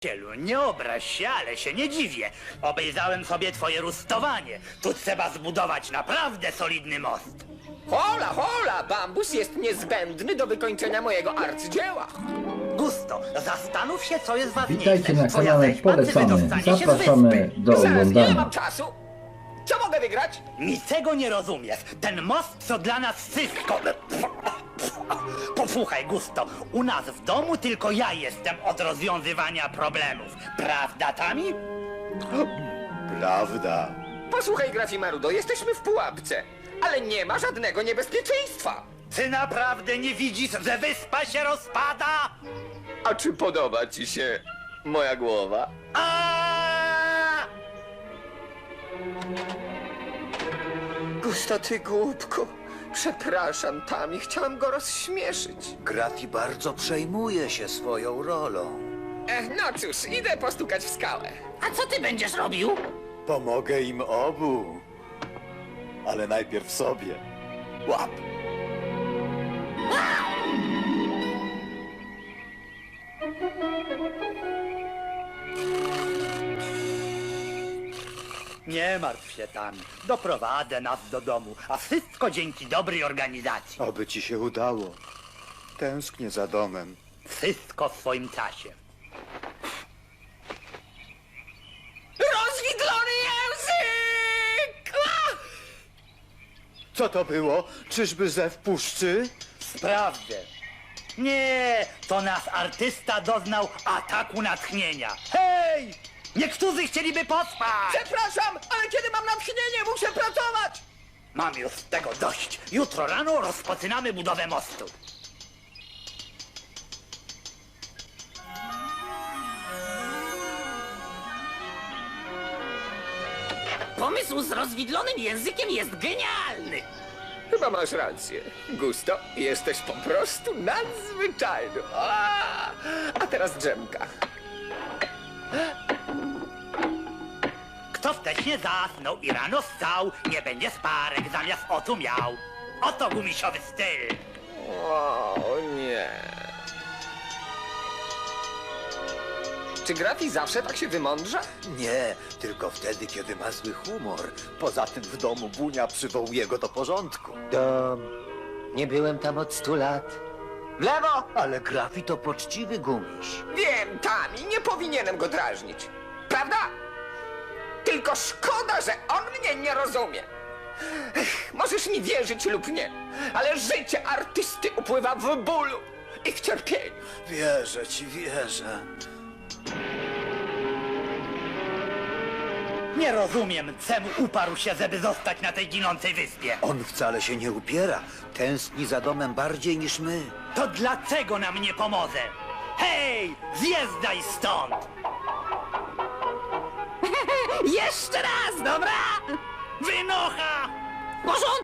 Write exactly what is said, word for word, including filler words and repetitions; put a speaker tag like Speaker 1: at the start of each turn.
Speaker 1: Cielu, nie obraź się, ale się nie dziwię. Obejrzałem sobie twoje rustowanie. Tu trzeba zbudować naprawdę solidny most.
Speaker 2: Hola, hola! Bambus jest niezbędny do wykończenia mojego arcydzieła.
Speaker 1: Gusto, zastanów się, co jest ważniejsze.
Speaker 3: Witajcie na
Speaker 1: Twoja
Speaker 3: kanale
Speaker 1: rzeźba, czy
Speaker 3: Polecamy.
Speaker 1: wydostanie się z
Speaker 3: Zapraszamy
Speaker 1: wyspy?
Speaker 3: do
Speaker 2: Zaraz, ile
Speaker 3: oglądania.
Speaker 2: mam czasu? Co mogę wygrać?
Speaker 1: Niczego nie rozumiesz. Ten most to dla nas wszystko. Posłuchaj, Gusto, u nas w domu tylko ja jestem od rozwiązywania problemów. Prawda, Tami?
Speaker 4: Prawda.
Speaker 2: Posłuchaj, Grafimarudo, jesteśmy w pułapce, ale nie ma żadnego niebezpieczeństwa.
Speaker 1: Ty naprawdę nie widzisz, że wyspa się rozpada?
Speaker 2: A czy podoba ci się moja głowa?
Speaker 1: A!
Speaker 2: Gusto, ty głupku. Przepraszam, Tami, chciałem go rozśmieszyć.
Speaker 4: Grafi bardzo przejmuje się swoją rolą.
Speaker 2: Ech, no cóż, idę postukać w skałę.
Speaker 1: A co ty będziesz robił?
Speaker 4: Pomogę im obu. Ale najpierw sobie. Łap!
Speaker 1: Nie martw się, Tami. Doprowadzę nas do domu, a wszystko dzięki dobrej organizacji.
Speaker 4: Oby ci się udało. Tęsknię za domem.
Speaker 1: Wszystko w swoim czasie.
Speaker 2: Rozwidlony język! Ah!
Speaker 4: Co to było? Czyżby zew puszczy?
Speaker 1: Sprawdzę. Nie, to nasz artysta doznał ataku natchnienia. Hej! Niektórzy chcieliby pospać!
Speaker 2: Przepraszam, ale kiedy mam natchnienie, muszę pracować!
Speaker 1: Mam już tego dość. Jutro rano rozpoczynamy budowę mostu. Pomysł z rozwidlonym językiem jest genialny.
Speaker 2: Chyba masz rację. Gusto, jesteś po prostu nadzwyczajny. A, a teraz drzemka.
Speaker 1: Kto wcześnie zasnął i rano wstał, nie będzie sparek zamiast oczu miał. Oto gumisiowy styl.
Speaker 2: O nie. Czy Grafi zawsze tak się wymądrza?
Speaker 4: Nie, tylko wtedy, kiedy ma zły humor. Poza tym w domu Bunia przywołuje go do porządku.
Speaker 5: Dom. Nie byłem tam od stu lat. W lewo!
Speaker 4: Ale Grafi to poczciwy gumiś.
Speaker 2: Wiem, Tami, nie powinienem go drażnić. Prawda? Tylko szkoda, że on mnie nie rozumie. Ech, możesz mi wierzyć lub nie, ale życie artysty upływa w bólu i w cierpieniu.
Speaker 4: Wierzę ci, wierzę.
Speaker 1: Nie rozumiem, czemu uparł się, żeby zostać na tej ginącej wyspie.
Speaker 4: On wcale się nie upiera. Tęskni za domem bardziej niż my.
Speaker 1: To dlaczego nam nie pomoże? Hej, zjeżdżaj stąd! Jeszcze raz, dobra? Wynocha! Porządku!